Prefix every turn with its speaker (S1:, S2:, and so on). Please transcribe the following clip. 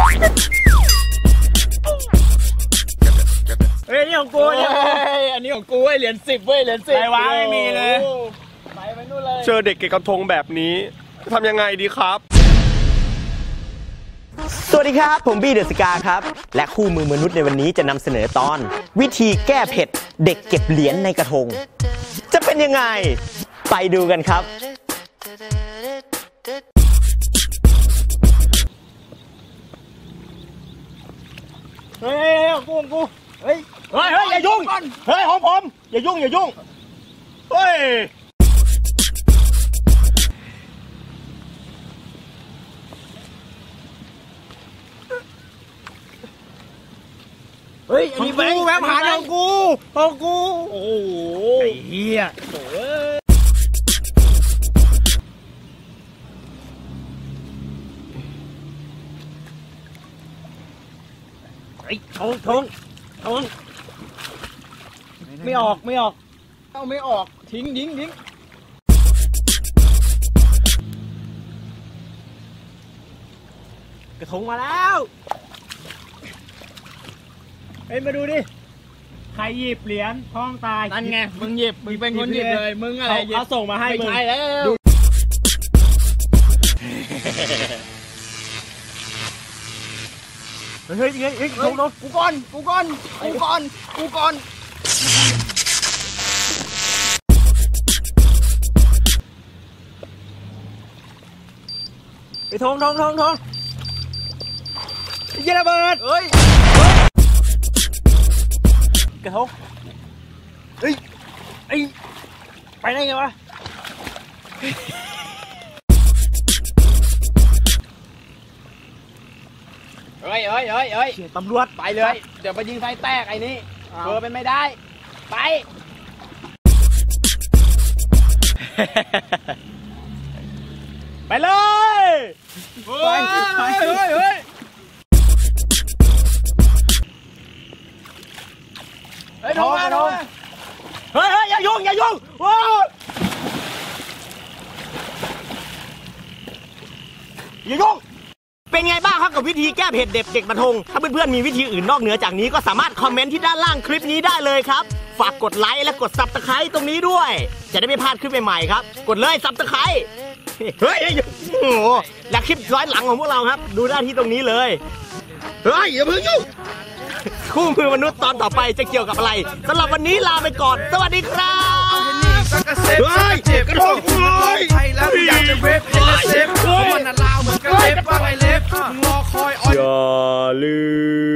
S1: เฮ้ยนี่ของกูเนี่ยอันนี้ของกูเว้ยเหรียญ10เว้ยเหรียญ10อะไรวะไม่มีเลยไปนู่นเลยเจอเด็กเก็บกระทงแบบนี้ทำยังไงดีครับ
S2: สวัสดีครับผมบี้เดอะสกาครับและคู่มือมนุษย์ในวันนี้จะนำเสนอตอนวิธีแก้เผ็ดเด็กเก็บเหรียญในกระทงจะเป็นยังไงไปดูกันครับ
S1: เฮ้ยของกูเฮ้ยอย่ายุ่งเฮ้ยของผมอย่ายุ่งเฮ้ยเฮ้ยอันนี้แบงค์หาของกูโอ้โหไอ้เหี้ยไอ้ทงไม่ออกเอาไม่ออกทิ้งกระทงมาแล้วเฮ้ยมาดูดิใครหยิบเหรียญท้องตายนั่นไงมึงหยิบมึงเป็นคนหยิบเลยมึงอะไรเขาส่งมาให้มึงไม่ใช่แล้วเฮ้ยโดนกูก่อนไอ้ทงเยระเบิดเฮ้ยกระทงเฮ้ยไปได้ไงวะเฮ้ยตำรวจไปเลยเดี๋ยวไปยิงไฟแตกไอ้นี่เบอร์เป็นไม่ได้ไปเลยเฮ้ยโดนเฮ้ยอย่ายุ่งว้าวอย่ายุ่ง
S2: เป็นไงบ้างครับกับวิธีแก้เผ็ดเด็กกระทงถ้าเพื่อนๆมีวิธีอื่นนอกเหนือจากนี้ก็สามารถคอมเมนต์ที่ด้านล่างคลิปนี้ได้เลยครับฝากกดไลค์และกดซับสไครต์ตรงนี้ด้วยจะได้ไม่พลาดคลิปใหม่ๆครับกดเลยซับสไครต์เฮ้ยโอ้โหและคลิปย้อนหลังของพวกเราครับดูได้ที่ตรงนี้เลยเฮ้ยอย่าเพิ่งยุ่งคู่มือมนุษย์ตอนต่อไปจะเกี่ยวกับอะไรสำหรับวันนี้ลาไปก่อนสวัสดีครับ
S3: เฮ้ยกระทงไทยแล้วอยากจะเว็บเซฟมันน่ะลาวเหมือนกันเล็บว่าไงเล็บรอคอย
S2: อย่าลืม